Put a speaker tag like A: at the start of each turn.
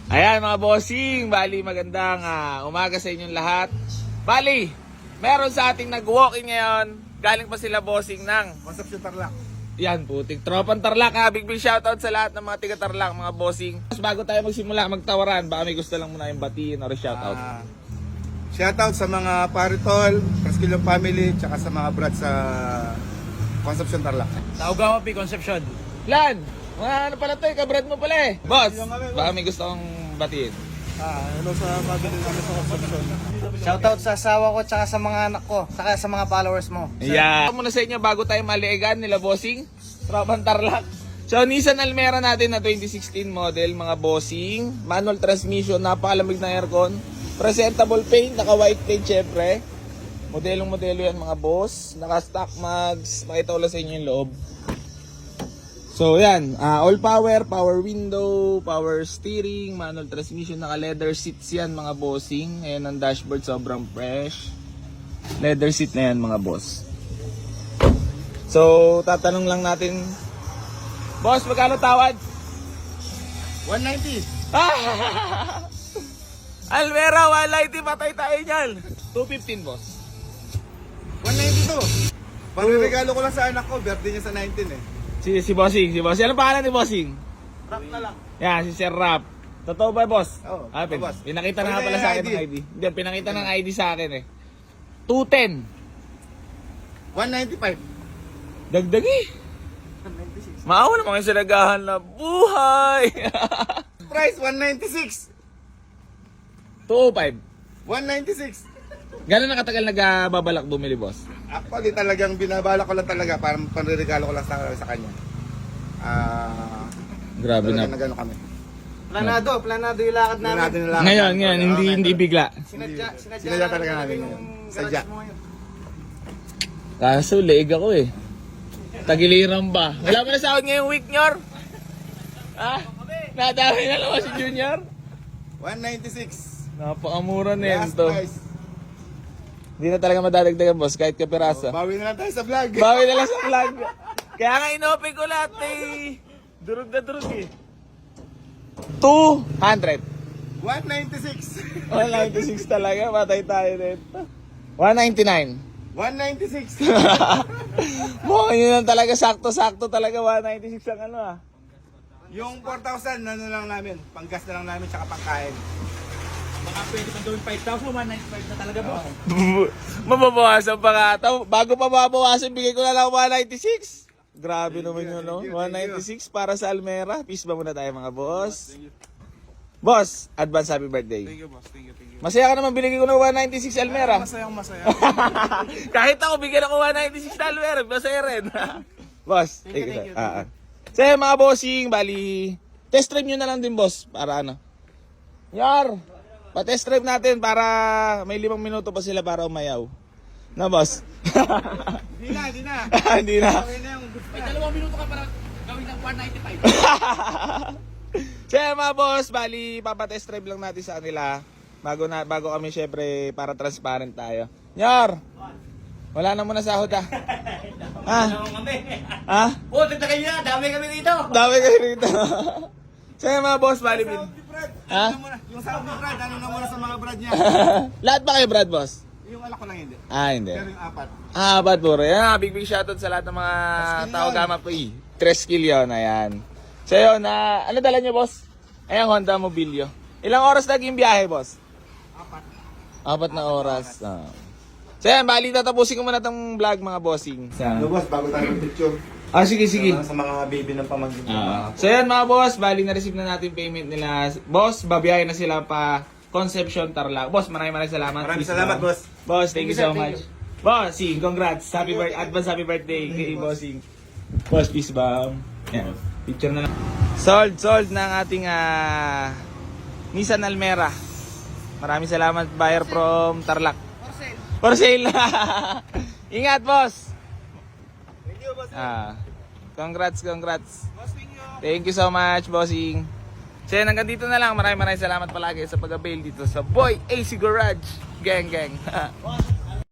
A: Ayan mga bossing, bali magandang umaga sa inyong lahat. Bali, meron sa ating nag-walk-in ngayon. Galing pa sila bossing ng
B: Concepcion Tarlac.
A: yan putik, tropang Tarlac ha. Big shoutout sa lahat ng mga tiga Tarlac, mga bossing. Bago tayo magsimula magtawaran, baka may gusto lang muna yung batiin or shoutout.
B: Shoutout sa mga paritol, Preskilyo family, tsaka sa mga brad sa Concepcion Tarlac.
C: Taugama P. Concepcion.
A: Lan, mga ano pala to, kabrad mo pala eh. Boss, baka may gusto kong batiin.
B: Hello sa family namin sa Concepcion.
C: Shoutout sa asawa ko tsaka sa mga anak ko, saka sa mga followers mo.
A: Yeah. Muna sa inyo bago tayo maliigan nila bossing, tropang Tarlac. So Nissan Almera natin na 2016 model mga bossing, manual transmission, napakalamig na aircon, presentable paint, naka white paint syempre. Modelong modelo yan mga boss, naka stock mags, makita ko lang sa inyo yung loob. So yan, all power, power window, power steering, manual transmission, naka leather seats yan mga bossing. Ayan ang dashboard, sobrang fresh. Leather seat na yan mga boss. So tatanong lang natin, boss, magkano tawad?
B: 190.
A: Almera, 190, patay tayo niyan. 215 boss.
B: 192. Pangregalo ko lang sa anak ko, birthday niya sa 19 eh.
A: Si Bossing, si Bossing. Anong pangalan ni Bossing?
B: Rap na lang.
A: Yan, si Sir Rap. Totoo ba, boss?
B: Oo, boss.
A: Pinakita na nga
B: Ano
A: pala
B: yung
A: sa akin
B: ID?
A: ng ID. Hindi, pinakita ng ID sa akin eh. 210.
B: 195.
A: Dagdagi. Maawa naman yung sinagahan na buhay.
B: Price 196.
A: 205.
B: 196.
A: Gano'n na katagal nagbabalak bumili, boss?
B: Actually talagang binabala ko lang talaga para panregalo ko lang sa kanya.
A: Grabe na.
B: Nagano kami.
C: Planado yung lakad namin.
A: Ngayon, hindi bigla.
B: Sinadya talaga namin ngayon. Sadya.
A: Kaso, leeg ako eh. Tagiliran ba? Wala mo na sahod ngayong week, Nyor? Ha? Nadami na naman si Junior?
B: 196.
A: Napakamura na yan
B: Last
A: to.
B: price.
A: Hindi na talaga madadagdagan, boss, kahit kapiraso.
B: Bawi na lang tayo sa vlog.
A: Bawi na lang sa vlog. Kaya nga inopen ko lahat eh. Durog na durog eh. 200.
B: 196.
A: 196 talaga, matay tayo nito. 199.
B: 196.
A: Mukhang yun lang talaga, sakto-sakto talaga, 196 ang ano ah.
B: Yung 4,000 ano lang namin, panggas na lang namin tsaka pangkain.
C: Baka pwede pang gawin 5,000, 195 na talaga boss.
A: Mababawasan pa nga ito. Bago pa mabawasan, bigay ko na lang 196. Grabe naman yun, no? 196 para sa Almera. Peace ba muna tayo mga boss? Boss, advance happy birthday.
B: Thank you boss, thank you.
A: Masaya ka naman, binigay ko ng 196 Almera.
B: Masayang masaya.
A: Kahit ako, bigyan ako 196 na Almera. Masaya rin. Boss,
C: Thank you.
A: So mga bossing, bali, test drive nyo na lang din boss. Para ano? Yar! Pa-test drive natin para may 5 minuto pa sila para umayaw. Na boss?
B: Hindi na.
A: Hindi na.
B: Okay na yung good
C: May 2 minuto ka para gawin ng 195.
A: So mga boss, bali papa-test drive lang natin sa kanila. Bago kami syempre para transparent tayo. Nyar! Wala na muna sahod ah. Ha? Ha?
C: Puti na kayo na, dami kami dito.
A: Dami kayo rito. So mga boss, bali
B: Sound ni Brad.
A: Ha?
B: Ano muna? Yung sound ni Brad, ano na muna sa mga Brad niya.
A: Lahat ba kayo Brad boss?
B: Yung alak ko lang hindi.
A: Hindi.
B: Pero yung apat.
A: Bad puro. Yan, big shoutout sa lahat ng mga tao gama po eh. 3 skill yun, ayan. So yun, ano dala nyo boss? Ayan, Honda Mobilio. Ilang oras naging biyahe boss? 4 na oras. So yan, bali tatapusin ko muna itong vlog mga bossing.
B: Ano boss, bago tayo mag-picture.
A: Sige.
B: Sa mga baby ng pamangkin.
A: So yan mga boss, bali na-receive na natin payment nila. Boss, babiyahin na sila pa Concepcion Tarlac. Boss, maraming salamat.
B: Maraming salamat boss.
A: Boss, thank you so much. Bossing, congrats. Advance happy birthday kay Bossing. Boss, peace bomb. Yan, picture na lang. Sold ng ating Nissan Almera. Maraming salamat buyer from Tarlac. For sale. Ingat, boss.
B: Thank you boss.
A: Congrats.
B: Boss, thank you.
A: Thank you so much, bossing. So yan, hanggang dito na lang. Maraming salamat palagi sa pag-avail dito sa Boy AC Garage. Gang.